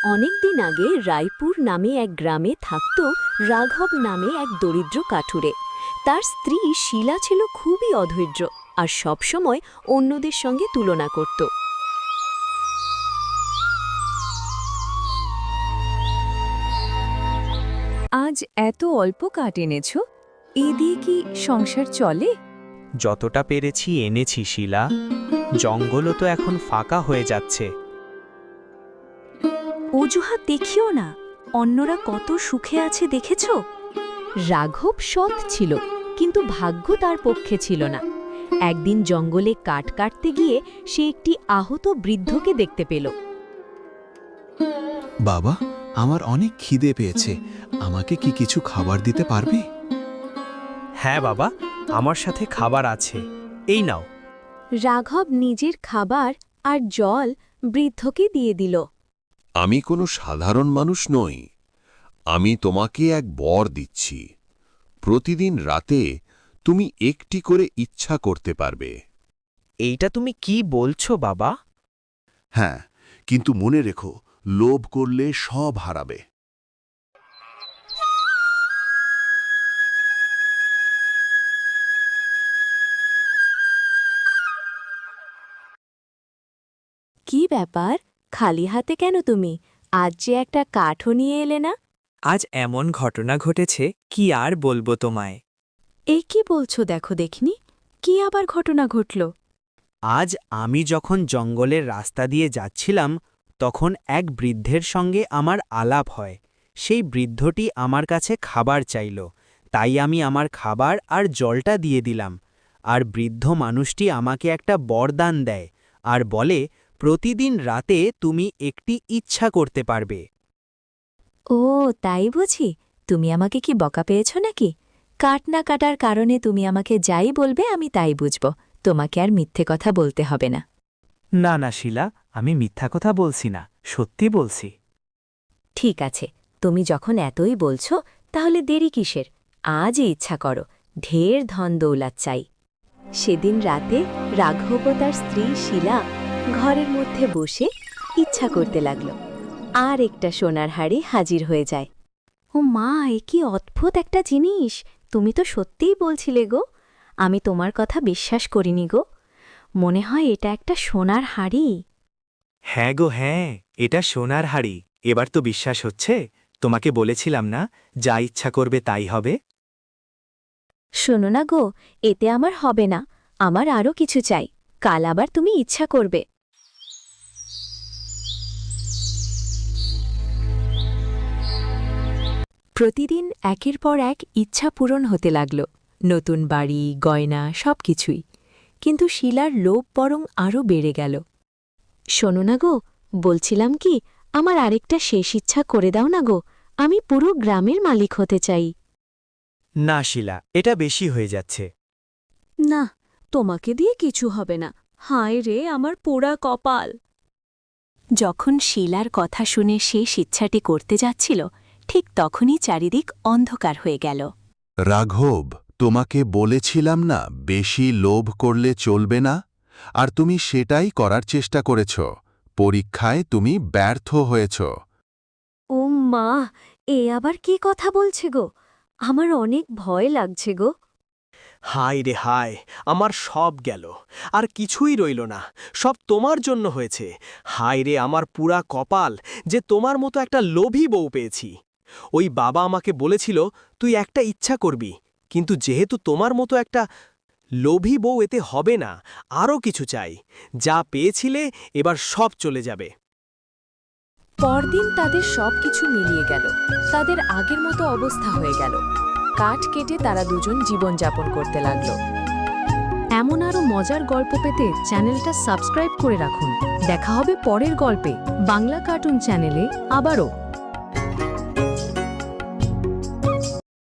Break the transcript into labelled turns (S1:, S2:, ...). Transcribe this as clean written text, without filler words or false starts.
S1: অনেকদিন আগে রায়পুর নামে এক গ্রামে থাকত রাঘব নামে এক দরিদ্র কাঠুরে। তার স্ত্রী শীলা ছিল খুবই অধৈর্য আর সবসময় অন্যদের সঙ্গে তুলনা করত।
S2: আজ এত অল্প কাঠ এনেছ, এ দিয়ে কি সংসার চলে?
S3: যতটা পেরেছি এনেছি শিলা। জঙ্গলও তো এখন ফাঁকা হয়ে যাচ্ছে।
S1: অজুহাত দেখিও না, অন্যরা কত সুখে আছে দেখেছ। রাঘব সৎ ছিল, কিন্তু ভাগ্য তার পক্ষে ছিল না। একদিন জঙ্গলে কাঠ কাটতে গিয়ে সে একটি আহত বৃদ্ধকে দেখতে পেল।
S4: বাবা, আমার অনেক খিদে পেয়েছে, আমাকে কি কিছু খাবার দিতে পারবে?
S3: হ্যাঁ বাবা, আমার সাথে খাবার আছে, এই নাও।
S1: রাঘব নিজের খাবার আর জল বৃদ্ধকে দিয়ে দিল।
S5: আমি কোনো সাধারণ মানুষ নই। আমি তোমাকে এক বর দিচ্ছি। প্রতিদিন রাতে তুমি একটি করে ইচ্ছা করতে পারবে।
S3: এইটা তুমি কি বলছো বাবা?
S5: হ্যাঁ, কিন্তু মনে রেখো, লোভ করলে সব হারাবে।
S1: কি ব্যাপার, খালি হাতে কেন তুমি? আজ যে একটা কাঠও নিয়ে এলে না।
S3: আজ এমন ঘটনা ঘটেছে, কি আর বলবো তোমায়।
S1: এই কি বলছো, দেখো দেখিনি, কি আবার ঘটনা ঘটল?
S3: আজ আমি যখন জঙ্গলের রাস্তা দিয়ে যাচ্ছিলাম, তখন এক বৃদ্ধের সঙ্গে আমার আলাপ হয়। সেই বৃদ্ধটি আমার কাছে খাবার চাইল, তাই আমি আমার খাবার আর জলটা দিয়ে দিলাম। আর বৃদ্ধ মানুষটি আমাকে একটা বরদান দেয় আর বলে, প্রতিদিন রাতে তুমি একটি ইচ্ছা করতে পারবে।
S1: ও তাই বুঝি, তুমি আমাকে কি বকা পেয়েছ নাকি? কাট না কাটার কারণে তুমি আমাকে যাই বলবে আমি তাই বুঝব, তোমাকে আর মিথ্যে কথা বলতে হবে না।
S3: না না শিলা, আমি মিথ্যা কথা বলছি না, সত্যি বলছি।
S1: ঠিক আছে, তুমি যখন এতই বলছো তাহলে দেরি কিসের? আজই ইচ্ছা করো, ঢের ধন দৌলত চাই। সেদিন রাতে রাঘব ও তার স্ত্রী শীলা ঘরের মধ্যে বসে ইচ্ছা করতে লাগল। আর একটা সোনার হাড়ি হাজির হয়ে যায়। ও মা, এ কি অদ্ভুত একটা জিনিস! তুমি তো সত্যিই বলছিলে গো, আমি তোমার কথা বিশ্বাস করিনি গো। মনে হয় এটা একটা সোনার হাড়ি।
S3: হ্যাঁ গো হ্যাঁ, এটা সোনার হাড়ি। এবার তো বিশ্বাস হচ্ছে। তোমাকে বলেছিলাম না, যা ইচ্ছা করবে তাই হবে।
S1: শোনো না গো, এতে আমার হবে না, আমার আরও কিছু চাই। কাল আবার তুমি ইচ্ছা করবে। প্রতিদিন একের পর এক ইচ্ছা পূরণ হতে লাগল, নতুন বাড়ি, গয়না, সবকিছুই। কিন্তু শীলার লোভ বরং আরও বেড়ে গেল। শোনো না গো, বলছিলাম কি, আমার আরেকটা শেষ ইচ্ছা করে দাও না গো, আমি পুরো গ্রামের মালিক হতে চাই।
S3: না শিলা, এটা বেশি হয়ে যাচ্ছে।
S1: না, তোমাকে দিয়ে কিছু হবে না। হায় রে আমার পোড়া কপাল! যখন শীলার কথা শুনে শেষ ইচ্ছাটি করতে যাচ্ছিল, ঠিক তখনই চারিদিক অন্ধকার হয়ে গেল।
S5: রাঘব, তোমাকে বলেছিলাম না বেশি লোভ করলে চলবে না, আর তুমি সেটাই করার চেষ্টা করেছ। পরীক্ষায় তুমি ব্যর্থ হয়েছ।
S1: ও মা, এ আবার কি কথা বলছে গো? আমার অনেক ভয় লাগছে গো।
S3: হায় রে হায়, আমার সব গেল, আর কিছুই রইল না। সব তোমার জন্য হয়েছে। হায় রে আমার পুরা কপাল, যে তোমার মতো একটা লোভী বউ পেয়েছি। ওই বাবা আমাকে বলেছিল তুই একটা ইচ্ছা করবি, কিন্তু যেহেতু তোমার মতো একটা লোভী বউ এতে হবে না, আরও কিছু চাই। যা পেয়েছিলে এবার সব চলে যাবে।
S2: পরদিন তাদের সবকিছু মিলিয়ে গেল, তাদের আগের মতো অবস্থা হয়ে গেল। কাঠ কেটে তারা দুজন জীবনযাপন করতে লাগল।
S1: এমন আরও মজার গল্প পেতে চ্যানেলটা সাবস্ক্রাইব করে রাখুন। দেখা হবে পরের গল্পে বাংলা কার্টুন চ্যানেলে আবারও।